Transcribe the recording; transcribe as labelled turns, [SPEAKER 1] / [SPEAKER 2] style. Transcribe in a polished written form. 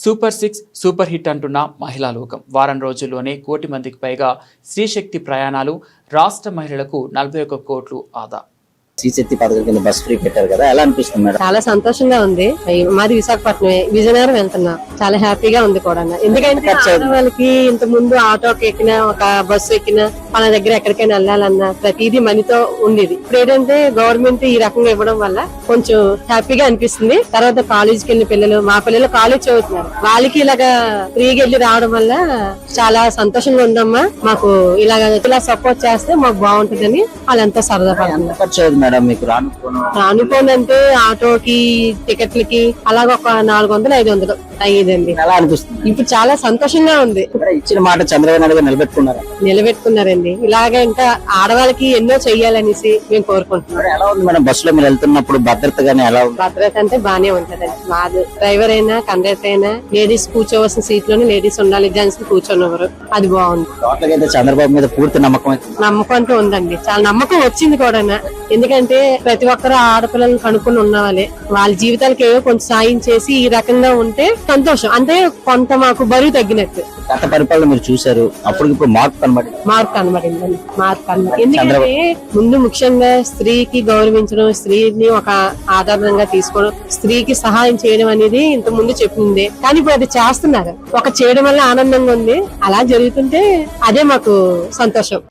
[SPEAKER 1] Super 6 super hit అంటున్న మహిళా లోకం. వారం రోజుల్లోనే 1 కోటి మందికి పైగా స్త్రీశక్తి ప్రయాణాలు, రాష్ట్ర మహిళలకు 41 కోట్లు ఆదా.
[SPEAKER 2] శ్రీశక్తి పథకం కింద బస్ ఫ్రీ పెట్టారు కదా, ఎలా అనిపిస్తుంది మేడం?
[SPEAKER 3] చాలా సంతోషంగా ఉంది. మాది విశాఖపట్నమే, విజయనగరం వెళ్తున్నా. చాలా హ్యాపీగా ఉంది కూడా. ఎందుకంటే వాళ్ళకి ఇంత ముందు ఆటోకి ఎక్కినా, ఒక బస్సు ఎక్కినా, మన దగ్గర ఎక్కడికైనా వెళ్ళాలన్నా ప్రతిదీ మనీతో ఉండేది. ఇప్పుడు ఏంటంటే గవర్నమెంట్ ఈ రకంగా ఇవ్వడం వల్ల కొంచెం హ్యాపీగా అనిపిస్తుంది. తర్వాత కాలేజీకి వెళ్ళిన పిల్లలు, మా పిల్లలు కాలేజ్ చదువుతున్నారు, వాళ్ళకి ఇలాగా ఫ్రీగా వెళ్ళి రావడం వల్ల చాలా సంతోషంగా ఉందమ్మా. మాకు ఇలా సపోర్ట్ చేస్తే మాకు బాగుంటుందని వాళ్ళంతా సరదా పడుతున్నారు. రానుకోనంటే ఆటోకి, టికెట్లకి అలాగ ఒక 400-500 అయ్యేదండి.
[SPEAKER 2] ఎలా అనిపిస్తుంది?
[SPEAKER 3] ఇప్పుడు చాలా సంతోషంగా ఉంది.
[SPEAKER 2] ఇచ్చిన మాట చంద్రబాబు నాయుడు
[SPEAKER 3] నిలబెట్టుకున్నారండి. ఇలాగే ఇంకా ఆడవాళ్ళకి ఎన్నో చెయ్యాలనేసి మేము కోరుకుంటున్నాం.
[SPEAKER 2] ఎలా ఉంది మేడం బస్సులో మీరు వెళ్తున్నప్పుడు భద్రత గానీ ఎలా ఉంది?
[SPEAKER 3] భద్రత అంటే బానే ఉంటదండి. మాది డ్రైవర్ అయినా కండక్టర్ అయినా లేడీస్ కూర్చోవలసిన సీట్ లోనే లేడీస్ ఉండాలి, జెంట్స్ కూర్చోనివ్వరు. అది బాగుంది.
[SPEAKER 2] టోటల్ అయితే చంద్రబాబు మీద పూర్తి నమ్మకం
[SPEAKER 3] అంటూ ఉందండి. చాలా నమ్మకం వచ్చింది కూడా. ఎందుకంటే ప్రతి ఒక్కరు ఆడపిల్లలను కనుక్కొని ఉన్న వాళ్ళ జీవితాలకు ఏవో కొంచెం సాయం చేసి ఈ రకంగా ఉంటే సంతోషం. అంటే కొంత మాకు బరువు తగ్గినట్టు.
[SPEAKER 2] గత పరిపాలన మీరు చూసారు, అప్పుడు ఇప్పుడు మార్పు
[SPEAKER 3] కనబడిందండి. ఎందుకంటే ముందు ముఖ్యంగా స్త్రీకి గౌరవించడం, స్త్రీని ఒక ఆధారంగా తీసుకోవడం, స్త్రీకి సహాయం చేయడం అనేది ఇంత ముందు చెప్పింది. కానీ ఇప్పుడు అది చేస్తున్నారు. ఒక చేయడం వల్ల ఆనందంగా ఉంది. అలా జరుగుతుంటే అదే మాకు సంతోషం.